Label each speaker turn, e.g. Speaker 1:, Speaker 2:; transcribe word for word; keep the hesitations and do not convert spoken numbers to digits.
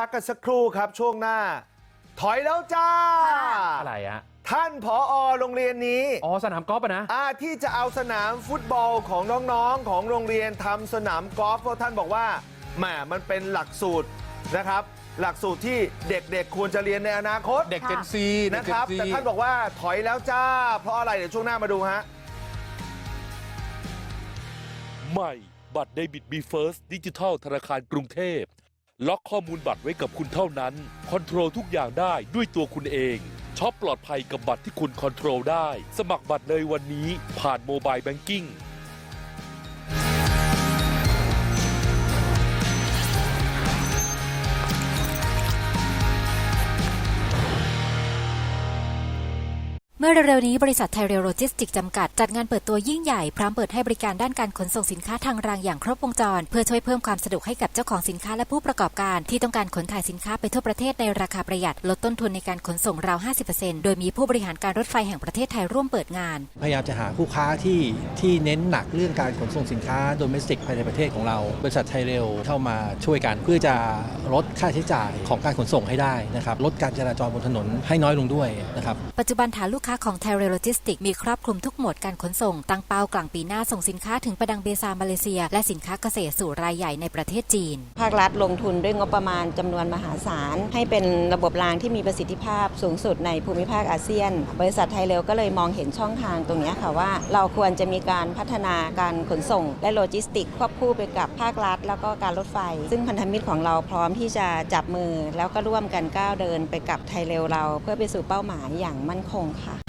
Speaker 1: กกันสักครู่ครับช่วงหน้าถอยแล้วจ้า
Speaker 2: อะไรอะ
Speaker 1: ท่านผอโรงเรียนนี้
Speaker 2: อ๋อสนามกอล์ฟอะนะ
Speaker 1: อาที่จะเอาสนามฟุตบอลของน้องๆของโรงเรียนทำสนามกอล์ฟเพราะท่านบอกว่าแหมมันเป็นหลักสูตรนะครับหลักสูตรที่เด็กๆควรจะเรียนในอนาคต
Speaker 2: เด็กเจนซี
Speaker 1: นะครับแต่ท่านบอกว่าถอยแล้วจ้าเพราะอะไรเดี๋ยวช่วงหน้ามาดูฮะ
Speaker 3: ใหม่บัตรเดบิตบีเฟิร์สดิจิทัลธนาคารกรุงเทพล็อกข้อมูลบัตรไว้กับคุณเท่านั้นคอนโทรลทุกอย่างได้ด้วยตัวคุณเองช็อปปลอดภัยกับบัตรที่คุณคอนโทรลได้สมัครบัตรเลยวันนี้ผ่านโมบายแบงกิ้ง
Speaker 4: เมื่อเร็วๆนี้บริษัทไทยเรลโลจิสติกส์จำกัดจัดงานเปิดตัวยิ่งใหญ่พร้อมเปิดให้บริการด้านการขนส่งสินค้าทางรางอย่างครบวงจรเพื่อช่วยเพิ่มความสะดวกให้กับเจ้าของสินค้าและผู้ประกอบการที่ต้องการขนถ่ายสินค้าไปทั่วประเทศในราคาประหยัดลดต้นทุนในการขนส่งราว ห้าสิบเปอร์เซ็นต์ โดยมีผู้บริหารการรถไฟแห่งประเทศไทยร่วมเปิดงาน
Speaker 5: พยายามจะหาคู่ค้าที่ที่เน้นหนักเรื่องการขนส่งสินค้าโดเมสติกภายในประเทศของเราบริษัทไทยเรลเข้ามาช่วยกันเพื่อจะลดค่าใช้จ่ายของการขนส่งให้ได้นะครับลดการจราจรบนถนนให้น้อยลงด้วยนะครับ
Speaker 4: ปัจจุบันฐานลูกค้าของไทยเรลโลจิสติกส์มีครอบคลุมทุกโหมดการขนส่งตั้งเป้ากลางปีหน้าส่งสินค้าถึงประดังเบซามาเลเซียและสินค้าเกษตรสู่รายใหญ่ในประเทศจีน
Speaker 6: ภาครัฐลงทุนด้วยงบประมาณจำนวนมหาศาลให้เป็นระบบรางที่มีประสิทธิภาพสูงสุดในภูมิภาคอาเซียนบริษัทไทยเรลก็เลยมองเห็นช่องทางตรงนี้ค่ะว่าเราควรจะมีการพัฒนาการขนส่งและโลจิสติกควบคู่ไปกับภาครัฐแล้วก็การรถไฟซึ่งพันธมิตรของเราพร้อมที่จะจับมือแล้วก็ร่วมกันก้าวเดินไปกับไทยเรลเราเพื่อไปสู่เป้าหมายอย่างมั่นคงค่ะ